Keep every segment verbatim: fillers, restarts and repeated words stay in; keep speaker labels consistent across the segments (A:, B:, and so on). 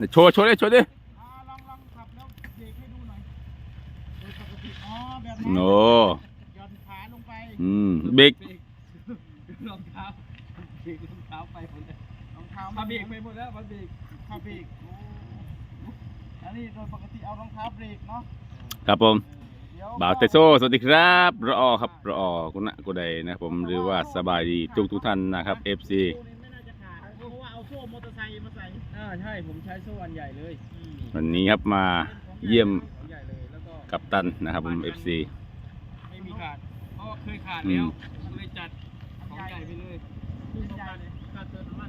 A: โชว์โชว์ดิโชว์ดิ
B: ลองลองขับแล้วเบรกให้ดูหน่อยโดยปกติอ๋อแบบนั้น
A: โน
B: หย่อนขาลงไป
A: อืมเบรก
C: รองเท้าเบรกรองเท้าไปหมดแล้ว
B: รองเท้า
C: มาเบรกไปหมดแล้วมาเบรก
B: ขาเบรกโอ้อันนี้โดยปกติเอารองเท้าเบรกเนาะ
A: ครับผม
B: เดี๋ยว
A: บ่าวเตโซสวัสดีครับรอครับรอคุณนะกูใดนะผมหรือว่าสบายดีทุกทุกท่านนะครับ เอฟ ซี
B: โซ่นี่ไม่น่าจะขาดเพราะว่าเอาโซ่มอเตอร์ไซค์มาใส่
C: อ่าใช่ผมใช้โซ่อันใหญ่เลย
A: วันนี้ครับมาเยี่ยม
C: ของใหญ่เลยแล้วก็
A: กัปตันนะครับผม เอฟ ซี
C: ไม่มีขาดเพราะว่าเคยขาดแล้วเลยจัดของใหญ่ไปเลย
B: ขึ้นใหญ่เลยการเติมน้ำมัน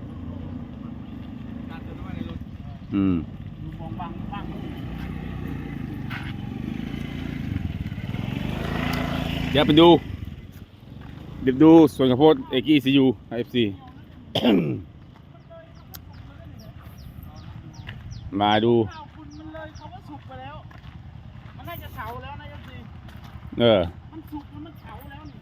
C: การเติมน้ำมันในรถ
A: อืม
B: ดูมองบังบัง
A: เดี๋ยวไปดูเดี๋ยวดูส่วนข้าวโพดเอกี้ซียูเอฟซี มาดู
B: ข้าวคุณมันเลยเขาว่าสุกไปแล้ว มันน่าจะเฉาแล้วนะยศดี
A: เออ
B: มันสุกแล้วมันเฉาแล้วนี่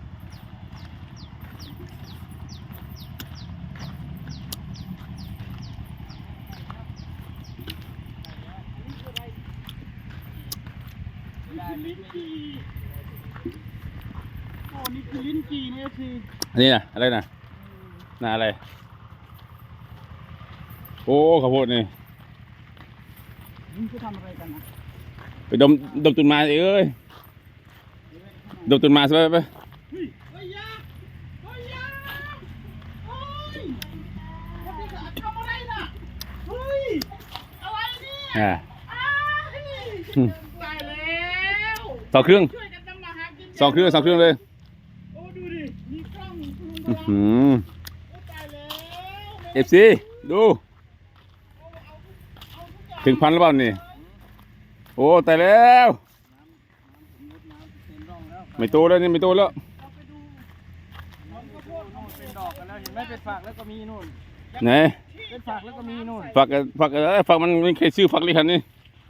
B: ลิ้นจี่โอ้นี่คือลิ้นจี่เนี่ยสิ
A: อันนี้นะอะไรนะน่าอะไร โอ้ข้าวโพดนี่
B: นี่คือทำอะไรกันนะ
A: ไปดมดมต้นไม้เอ้ยดมต้นไม้ซะไปไป
B: เฮ้ยเฮ้ยยาเฮ้ยยาเฮ้ยวันนี้ทำอะไรน่ะเฮ้ยอะไรเนี่ย
A: อ่า
B: อ้ายตายแล้ว
A: สองเครื่อง
B: ช่วยกันทำมาหากิน
A: สองเครื่องสองเครื่องเลย
B: โอ้ดูดิมีกล้องมีคุณ
A: อื้อ
B: ลุง
A: หือ
B: โอ้ตายแล้ว
A: เอฟซีดูถึงพันแล้วเปล่านี่โอ้ตายแล้ว
C: เต็มร่องแล้ว
A: ไม่โตแล้วนี่ไม่โตแล้ว
B: เอาไปดูมันก็โพด
C: โน่นเป็นดอกกันแล้วเห็นไหมเป็นฝักแล้วก็มีนู่น
A: ไหน
C: เป็นฝักแล้วก็มีนู่น
A: ฝักฝักเอ้ยฝักมันไม่เคยซื้อฝักเลยคันนี้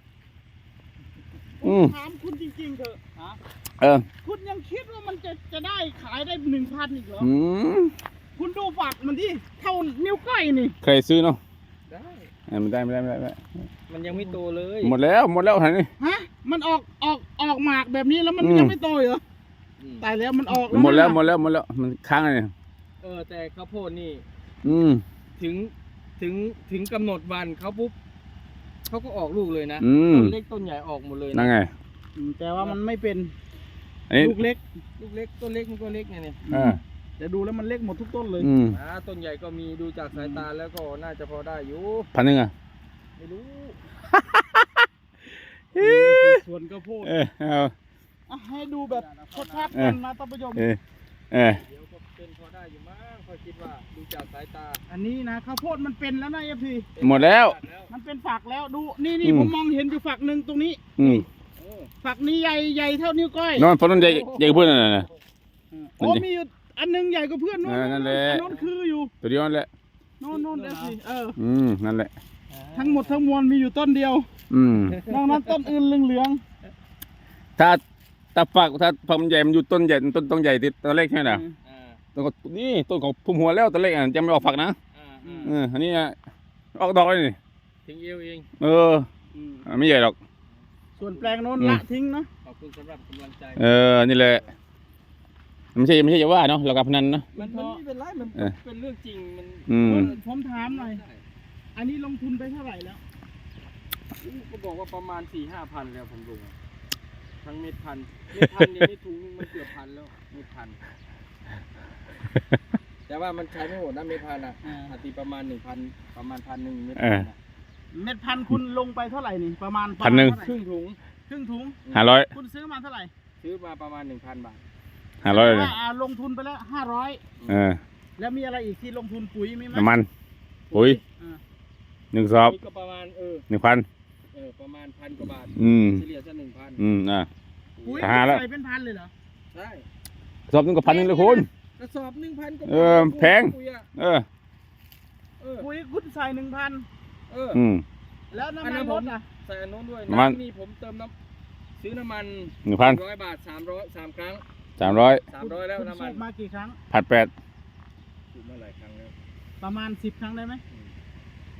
A: อืม
B: ถามคุณจริงๆเถอะฮะ
A: เออ
B: คุณยังคิดว่ามันจะจะได้ขายได้หนึ่งพันอีกเหรอ
A: อืม
B: คุณดูฝักมันที่เท่านิ้วก้อยนี่
A: เคยซื้อเนาะ
C: ได้
A: เอ้ยไม่ได้ไม่ได้ไม่ได้ไม่ได้
C: มันยังไม่โตเลย
A: หมดแล้วหมดแล้วคันนี้
B: ฮะมันออกออกออกหมากแบบนี้แล้วมัน
A: อืม
B: ยังไม่โตเหรอ
C: อืม
B: ตายแล้วมันออก
A: หมดแล้ว
B: นะ
A: หมดแล้วหมดแล้วมันค้างเลย
C: เออแต่ข้าวโพดนี่
A: อืม
C: ถึงถึงถึงกำหนดวันเขาปุ๊บเขาก็ออกลูกเลยนะ
A: อืม
C: ต้นเล็กต้นใหญ่ออกหมดเลย
A: นั่
C: นะ
A: นไง
B: อืมแต่ว่ามันไม่เป็น
A: อันนี้
B: ลูกเล็ก
C: ลูกเล็กต้นเล็กมันก็เล็กไงเนี่ย
A: อ่า
B: แต่ดูแล้วมันเล็กหมดทุกต้นเลย
A: อืม
C: อ่าต้นใหญ่ก็มีดูจากสายตาแล้วก็น่าจะพอได้อยู่
A: พันหนึ่งอ่ะ
C: ไม่รู้
B: ส่วนกระโพด
A: เออเอา
B: อ่ะให้ดูแบบชัดๆกันนะท่านผู้ชม
A: เออเออ
C: เดี๋ยวก็เป็นพอได้อยู่มั้งเขาคิดว่าดูจากสายตา
B: อันนี้นะข้าวโพดมันเป็นแล้วนะเอฟพี
A: หมดแล้ว
B: มันเป็นฝักแล้วดูนี่นี่
A: อืม
B: ผมมองเห็นอยู่ฝักหนึ่งตรงนี้
A: อืม
C: โอ้
B: ฝักนี้ใหญ่ใหญ่เท่านิ้วก้อย
A: นอนฝันนอนใหญ่ใหญ่กว่าเพื่อนน่ะนะ
B: โอ้มีอยู่อันหนึงใหญ่กว่าเพื่อนโน่น
A: เออนั่นแหละ
B: อันโน้นคืออยู่
A: ตัวเดียวนั่นแหละ
B: โน่นโน่นเอฟพีเออ
A: อืมนั่นแหละ
B: ทั้งหมดทั้งมวลมีอยู่ต้นเดียว
A: อืม
B: นอกนั้นต้นอื่นเหลือง
A: ถ้าถ้าฝักถ้าฝักมันใหญ่มันอยู่ต้นใหญ่ต้นต้นใหญ่ติดต้นเล็กใช่ไหมล่ะ
B: ๆ
C: อ่า
A: ต้นก็นี่ต้นของพุ่มหัวแล้วต้นเล็กอ่ะยังไม่ออกฝักนะ
C: อ่า
B: อืม
A: เอออันนี้อ่ะออกดอกเลยนี่
C: ถึงเอวเอง
A: เออ
B: อืม
A: อ่ะไม่ใหญ่หรอก
B: ส่วนแปลงโน้น
A: อืม
B: ละทิ้งเนาะ
C: ขอบคุณสำหรับกำลังใจ
A: เออนี่แหละไม่ใช่ไม่ใช่จะว่าเนาะเรากับพนันเนาะ
C: มันมันไม่เป็นไรมัน
A: เออ
C: เป็นเรื่องจริงมัน
A: อืม
B: ผมถามหน่อย อันนี้ลงทุนไปเท่าไหร่แล้ว
C: ก็บอกว่าประมาณสี่ห้าพันแล้วผมดูทั้งเม็ดพันเม็ดพันเนี่ยไม่ถุงมันเกือบพันแล้วเม็ดพัน แต่ว่ามันใช้ไม่หมดนะเม็ดพันอ่ะ
B: อ่า
C: อาตีประมาณหนึ่งพันประมาณพันหนึ่งเม็ด
A: เอ
C: พั
A: อ
C: นอะ
B: เม็ดพันธุ์คุณลงไปเท่าไหร่นี่ประมาณ
A: พันหนึ่ง
C: ครึ่งถุง
B: ครึ่งถุง
A: ห้าร้อย
B: คุณซื้อมาเท่าไหร่
C: ซื้อมาประมาณหนึ่งพันบาท
A: ห้าร้อยเลย
B: ว่าอ่าลงทุนไปแล้วห้าร้อย
A: เออ
B: แล้วมีอะไรอีกที่ลงทุนปุ๋ยมีไหม
A: น้ำมันปุ๋ย
B: อ่า
A: หนึ่งซอบ
C: ก็ประมาณเออ
A: หนึ่งพัน
C: เออประมาณพันกว่าบาท
A: อืม
C: เฉลี่ยจะหนึ่งพัน
A: อืมอ่ะ
B: ปุ๋ย
A: หาแล้ว
B: ใส่เป็นพันเลยเหรอ
C: ใช่
A: ซอบหนึงก็พันหนึ่งเลยคุณ
C: กระสอบหนึ่งพันกว่า
A: เออแพง
C: ปุ๋ยอะ
A: เออ
C: เออ
B: ปุ๋ยคุณใส่หนึ่งพัน
C: เออ
A: อืม
B: แล้วน้ำ
C: อัน
B: มั
C: นั้น น
B: ร
C: ผม
B: ถอ่ะ
C: ใส่อันโน้นด้วย
A: ประมาณ
C: น้ำนี่ผมเติมน้ำซื้อน้ำมัน
A: หนึ่งพัน
C: ร้อยบาทสามร้อยสามครั้ง
A: สามร้อย
C: สามร้อยแล้ว
B: คุณ
C: น้ำมั
B: สู
C: น
B: บมากี่ครั้ง
A: ผัดแปด
C: สูบมาหลายครั้งแล้ว
B: ประมาณสิบครั้งได้ไหม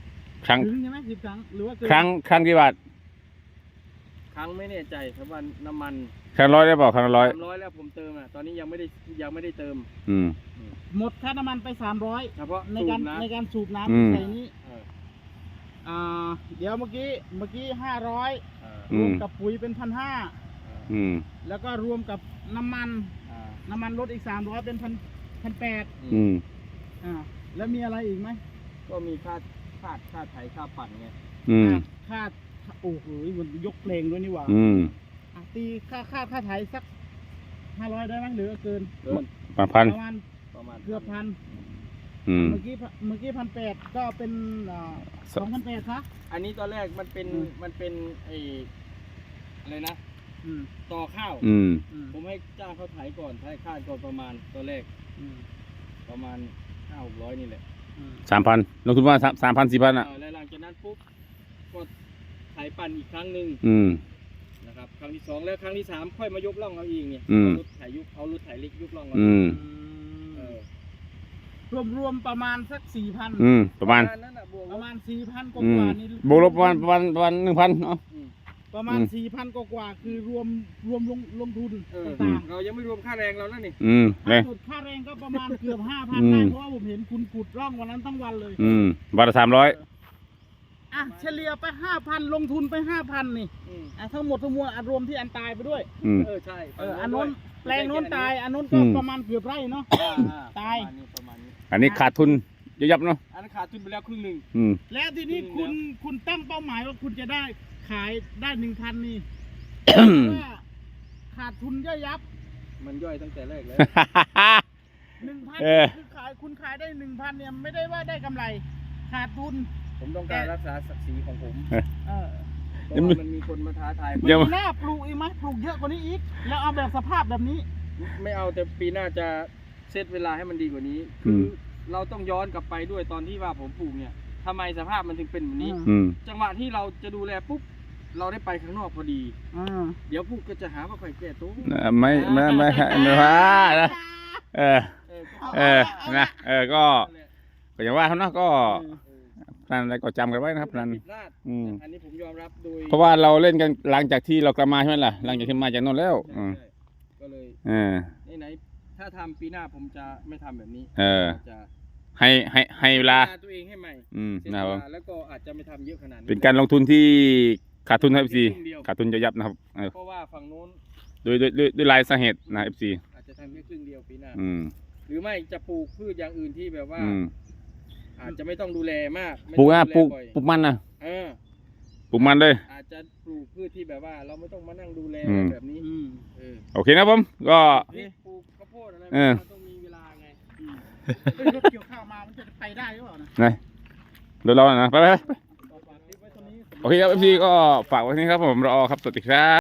A: ครั้ง
B: ถึงใช่ไหมสิบครั้งหรือว่าเกิน
A: ครั้งครั้งกี่บาท
C: ครั้งไม่แน่ใจครับว่าน้ำมัน
A: ครั้งร้อยได้เปล่าครั้งละร้อย
C: สามร้อยแล้วผมเติมอ่ะตอนนี้ยังไม่ได้ยังไม่ได้เติม
A: อืม
B: หมดค่าน้ำมันไปสามร้อย
C: เฉพาะ
B: ใน
C: สู
B: การ
C: บนะ
B: ในการสูบ
A: อืม
B: น้ำใส่นี้
C: เออ
B: อ่าเดี๋ยวเมื่อกี้เมื่อกี้ห้าร้อย
C: เออ
B: รวมกับปุ๋ยเป็นพันห้า
A: อืม
B: แล้วก็รวมกับน้ำมัน
C: อ่า
B: น้ำมันลดอีกสามร้อยเป็นพันพันแปด
A: อืม
B: อ่าแล้วมีอะไรอีกไหม
C: ก็มีค่าค่าค่าไถค่าปั่นไง
A: อืม
B: ค่าโอ้โหมันยกเพลงด้วยนี่หว่า
A: อืม
B: อ่ะตีค่าค่าค่าไถสักห้าร้อยได้ไหมหรือเกิน
C: เกิน
A: พันพัน
B: ประมาณ
C: ประมาณ
B: เกือบพัน
A: อืม
B: เมื่อกี้เมื่อกี้พันแปดก็เป็นสองพันแปดซะ
C: อันนี้ตอนแรกมันเป็น
B: อืม
C: มันเป็นไออะไรนะ
B: อืม
C: ต่อข้าว
A: อืม
B: อืม
C: ผมให้จ้างเขาไถก่อนไถค่าก่อนประมาณตอนแรก
B: อืม
C: ประมาณห้าหกร้อยนี่แหละ
B: อืม
A: สามพันลงทุนว่าสามพันสี่พันอ่ะ
C: เออแล้วหลังจากนั้นปุ๊บก็ไถปั่นอีกครั้งหนึ่ง
A: อืม
C: นะครับครั้งที่สองแล้วครั้งที่สามค่อยมายกล่องเอาเองเนี่ย
A: อืม
C: เอารถไถยุกเอารถไถเล็กยุกล่องเอา
A: อืม
C: เออ
B: รวมรวมประมาณสักสี่พัน
A: อืม ประมาณ
C: นั้นน่ะบวก
B: ประมาณสี่พันก
A: อืม
B: ว่าๆนี่
A: บวกลบประมาณประมาณประมาณหนึ่งพันเนาะ
C: อืม
B: ประมาณ
A: อืม
B: สี่พันกว่าๆคือรวมรวมลงลงทุน
C: เออ
B: ต่าง
C: เรายังไม่รวมค่าแรงเราแล้วนี่
A: อืม
B: ๆ
A: เลย
B: สุดค่าแรงก็ประมาณเกือบห้าพัน
A: อืม
B: ได้เพราะว่าผมเห็นคุณขุดร่องวันนั้นทั้งวันเลย
A: อืมบาทละสามร้อย
B: อ่ะเฉลี่ยไปห้าพันลงทุนไปห้าพันนี่
C: อืม
B: อ่ะทั้งหมดทั้งมวลอ่ะรวมที่อันตายไปด้วย
A: อืม
C: เออใช่
B: เอออันนู้นแปลงโน้นตายอันนู้น
A: อื
B: ก็
A: ม
B: ประมาณเกือบไร่เนาะ
C: อ่าอ่
B: ตาย
C: ประมณนี้ประมาณนี้
A: อันนี้ขาดทุนยับยับเนาะ
C: อันนั้นขาดทุนไปแล้วครึ่งหนึ่ง
A: อืม
B: แล้วทีนี้
C: จริง
B: คุณ
C: แล้ว
B: คุณตั้งเป้าหมายว่าคุณจะได้ขายได้หนึ่งพันนี่ว่าขาดทุนย่อยยับ
C: มันย่อยตั้งแต่แรกแล้ว
B: หนึ่งพัน
A: เออ
B: คือขายคุณขายได้หนึ่งพันเนี่ยไม่ได้ว่าได้กำไร ขาดทุน
C: ผมต้องการรักษาศักดิ์ศรีของผม
B: เออ
C: เพราะว่ามันมีคนมาท้าทายผม
A: ยัง
B: ปีหน้าปลูกอีกไหมปลูกเยอะกว่านี้อีก แล้วเอาแบบสภาพแบบนี้
C: ไม่เอาแต่ปีหน้าจะเซตเวลาให้มันดีกว่านี้
A: อื
C: คือ
A: ม
C: เราต้องย้อนกลับไปด้วยตอนที่ว่าผมปลูกเนี่ยทำไมสภาพมันถึงเป็นแบบนี้
B: อืม
A: อืม
C: จังหวะที่เราจะดูแลปุ๊บเราได้ไปข้างนอกพอดี
B: อ่า
C: เดี๋ยวปุ๊บก็จะหาว่าใครแก้ตัว
A: เออไม่ไม่ไม่ไม่ว่านะเออ
C: เออก็
A: เออนะเออก็
C: นั่นแหละ
A: ก็อย่างว่าเขาเนาะก็
C: เออ
A: พนันอะไรก็จำกันไว้นะครับพนัน
C: ผิดพลาด
A: อืม
C: อันนี้ผมยอมรับโดย
A: เพราะว่าเราเล่นกันหลังจากที่เรากลับมาใช่ไหมล่ะหลังจากที่มาจากโนนแล้ว
C: ใช่
A: อืม
C: ใช่ก็เลย
A: เออ
C: ไหนๆถ้าทำปีหน้าผมจะไม่ทำแบบนี้
A: เออ
C: จะ
A: ให้ให้ให้เวลา
C: ตัวเองให้ใหม่
A: อืม
C: เสีย
A: นะครับ
C: เว
A: ผม
C: ลาแล้วก็อาจจะไม่ทำเยอะขนาดนี้
A: เป็นการลงทุนที่ขาดทุนครับเอฟซี
C: ครึ่งเดียว
A: ขาดทุนจะยับนะครับเออ
C: เพราะว่าฝั่งโน้น
A: โดยโดยโดยด้วยลายสาเหตุนะเอฟซี
C: อาจจะทำแค่ครึ่งเดียวปีหน้า
A: อืม
C: หรือไม่จะปลูกพืชอย่างอื่นที่แบบว่า
A: อืม
C: อาจจะไม่ต้องดูแลมากไม่
A: ปลูก
C: ต้
A: อ่ะ
C: อง
A: ปลูก
C: บ่อย
A: ปลูกมันนะ
C: เออ
A: ปลูกมันเลย
C: อาจจะปลูกพืชที่แบบว่า เราไม่ต้องมานั่งดูแล
A: อืม
C: แบบนี้
B: อืม
C: เออ
A: โอเคนะผมก็
C: นี่ปลูกข้าวโพดอะไร
A: เออ
C: มันต้องมีเวลาไง
B: เฮ้ยรถเกี่ยวข้าวมามันจะไปได้หรือเปล่านะ
A: ไหนเดี๋ยวเรานะไปไปไป
B: ฝากคลิปไว้ตรงนี้
A: โอเคครับเอฟซีก็ฝากไว้ที่นี้ครับผมรอครับสวัสดีครับ